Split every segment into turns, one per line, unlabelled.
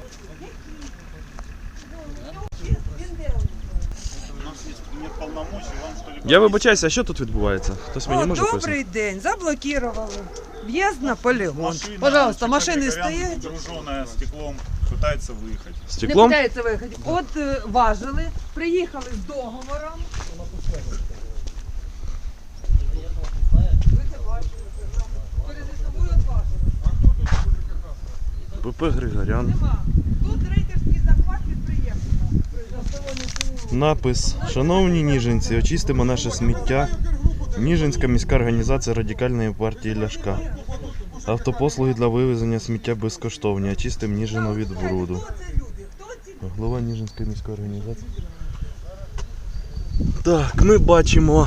Я вибачаюся, а що тут відбувається? Хтось мені може пояснити?
Добрий день, заблокували. В'їзд на полігон. Пожалуйста, машини стоять.
Груженная стеклом, пытается выехать.
Не
Стеклом?
питається виїхати. От важили, приїхали з договором. Ви це бачите. Перед собою от важили.
ПП Григорян.
Нема. Тут рейдерський захват підприємства.
Напис: шановні ніжинці, очистимо наше сміття. Ніжинська міська організація Радикальної партії Ляшка. Автопослуги для вивезення сміття безкоштовні. Очистимо Ніжину від бруду. Голова Ніжинської міської організації. Так, ми бачимо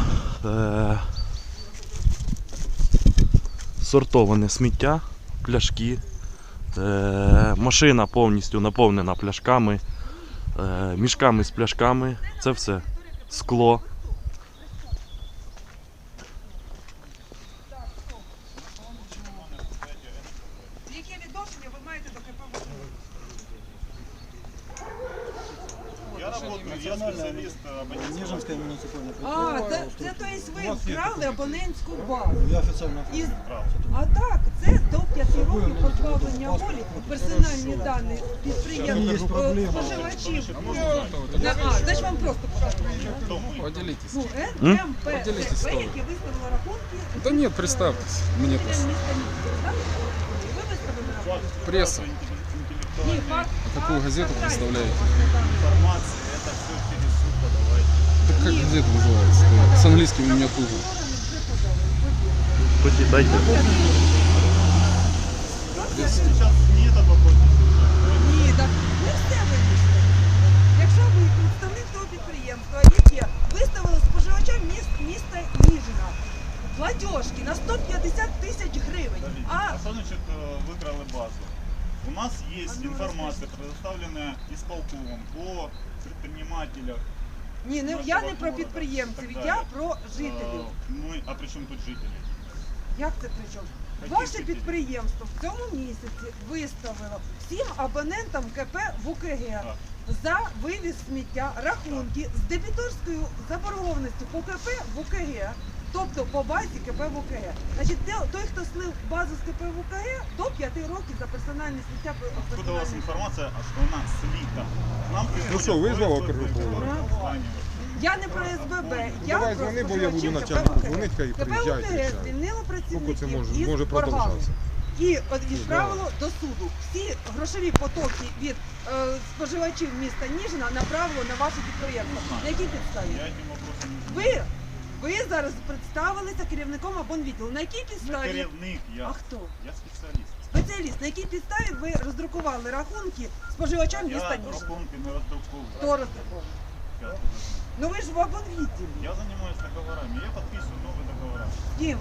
сортоване сміття, пляшки. Машина повністю наповнена пляшками, мішками з пляшками. Це все скло.
Яке відношення ви маєте до КП?
Я работаю, я специалист
Нижинская муниципальная
А,
предприятие.
це то є ви вкрали абонентську базу.
Я официально
Із... А так, це до 5 років позбавлення волі, персональні дані підприємств, споживачів. Значить вам просто покажу.
Поделитесь.
Ну, МП, яке виставило рахунки.
Да нет, представьтесь. Мне
Ви
просто.
виставили рахунки?
Пресса.
Ні, факт.
А какую газету представляете?
информация, это все через суд подавайте.
Так как газета называется? С английским у меня туго.
Почитайте.
Сейчас не это вопрос.
Ні, так не все вирішує. Якщо ви представник того підприємства, яке виставило споживачам міста Ніжина платіжки на 150 тисяч гривень,
А что значит выкрали базу? У нас есть информация, предоставленная исполкомом по предпринимателях.
ні, не, я не про підприємців, я про жителів.
А при чем тут жители?
Як це при чому? Ваше підприємство в цьому місяці виставило всім абонентам КП ВУКГ за вивіз сміття рахунки з дебіторською заборгованістю по КП ВУКГ, тобто по базі КП ВУКГ. Значить, той, хто слив базу з КП ВУКГ, до 5 років за персональне сміття.
Откуда у вас информация, что она слита? Нам
Ну що, визвав окружну поворот?
Я не про СББ, я
Давай
про
дзвони, бо я буду
споживачів
начальнику
КП
дзвонити, хай
ВУКГ.
приїжджають і
КП
все.
ВУКГ звільнило
Скільки це
працівників
може
із боргами.
продовжатися?
І відправило до суду. Всі грошові потоки від споживачів міста Ніжина направило на ваше підприємство. На якій підставі?
Я этим вопросом не знаю.
Ви зараз представилися керівником абонвідділу. На якій
Не
підставі?
керівник, я.
А хто?
Я специалист.
Спеціаліст. На якій підставі ви роздрукували рахунки споживачам
Я
міста Ніжина?
рахунки не роздруковую.
Хто роздруковував?
Я
Ну ви ж в абонвідділі.
занимаюсь договорами, я подписываю новые договора.
Ким?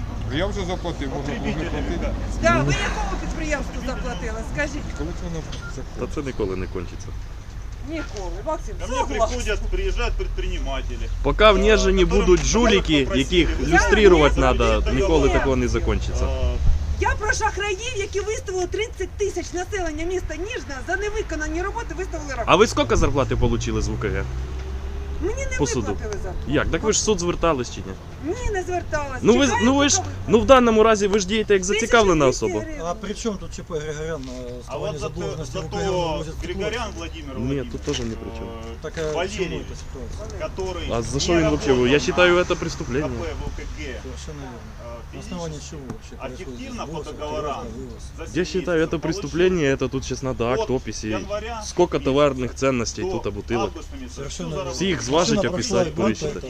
Я вже заплатив, можна було не
Потребители,
платити.
ребят.
Да, ви якому підприємству заплатили? Скажіть.
Коли це воно
Та
заходить?
це ніколи не кончиться.
Ніколи. Максим,
Ко мне
согласен.
приходят, приезжают предприниматели.
Поки в Ніжині будуть жуліки, яких люструвати треба, ніколи такого не закінчиться.
Я про шахраїв, які виставили 30 тисяч населення міста Ніжна за невиконані роботи, виставили рахунки.
А ви скільки зарплати отримали з ВКГ?
Мені не
по суду?
виплатили зарплату.
Як? Так ви ж в суд звертались чи ні?
Ні, не зверталась.
Ну ви ж
Чекаю,
в даному разі ви ж дієте як зацікавлена
1200
особа.
гривень.
А при чем тут ЧП Григорян?
А вот зато Григорян Владимир
Ні,
Владимирович,
тут теж не при чому.
Так а почему
Валерий,
эта ситуация?
который
А за що
не
він взагалі? Я
работал
вважаю,
на
це преступлення.
КП ВКГ,
Совершенно верно. На основании чего вообще происходит
объективно по
сброс,
договорам.
вывоз?
Я считаю, это преступление, это тут сейчас надо акт, описи. Сколько товарных ценностей тут, а бутылок.
Совершенно
Всі їх зважить, описати, пересчитати.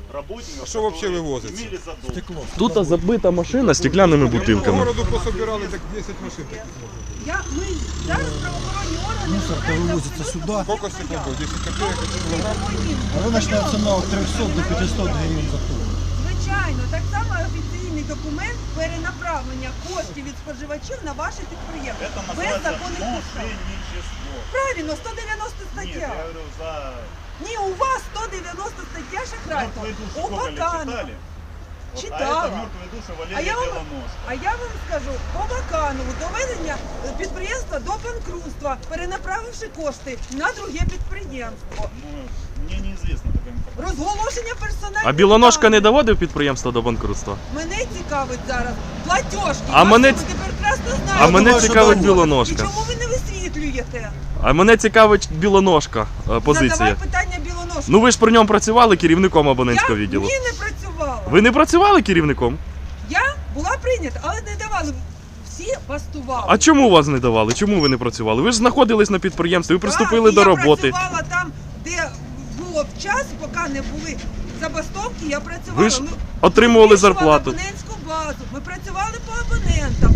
А що вообще вивозиться?
Стекло.
Тут забита машина стеклянними
По
бутилками.
городу пособирали так 10 машин таких.
Ми зараз правоохоронні органи
Мусор-то вывозится сюда.
Сколько стекло? 10 копеек, 1 килограмм?
Рыночная цена от 300 до 500 гривен за тонну.
Звичайно, так само офіційний документ перенаправлення коштів від споживачів на ваше підприємство.
Это
Без
называется
законних підстав.
мошенничество.
Правильно, 190
Нет,
стаття.
я говорю, за...
Ні, у вас 190 стаття шахрайства.
Ну, вы
У
сколько лет
Баканова.
читали? Вот,
читала.
А это мертвые души
А
Валерия
я вам-
Белоножка.
А я вам скажу, по Баканову доведення підприємства до банкрутства, перенаправивши кошти на друге підприємство.
Ну, мне неизвестна такая информация.
Розголошення персональних
А Білоножка не
даних.
доводив підприємство до банкрутства?
Мене цікавить зараз платіжки.
А мене
ви
ц-
тепер красно знаєте.
А мене
що
цікавить
доводить.
Білоножка.
І чому ви не висвітлюєте?
А мене цікавить Білоножка позиція.
Задавай питання Білоножки.
Ну ви ж при ньому працювали керівником абонентського
Я
відділу.
ні, не працювала.
Ви не працювали керівником?
Я була прийнята, але не давали. Всі бастували.
А чому вас не давали? Чому ви не працювали? Ви ж знаходились на підприємстві, ви приступили
Так, і
до роботи.
Я працювала там, де було час, поки не були забастовки, я працювала.
Ви ж
Ми
отримували
вирішували
зарплату.
абонентську базу. Ми працювали по абонентам.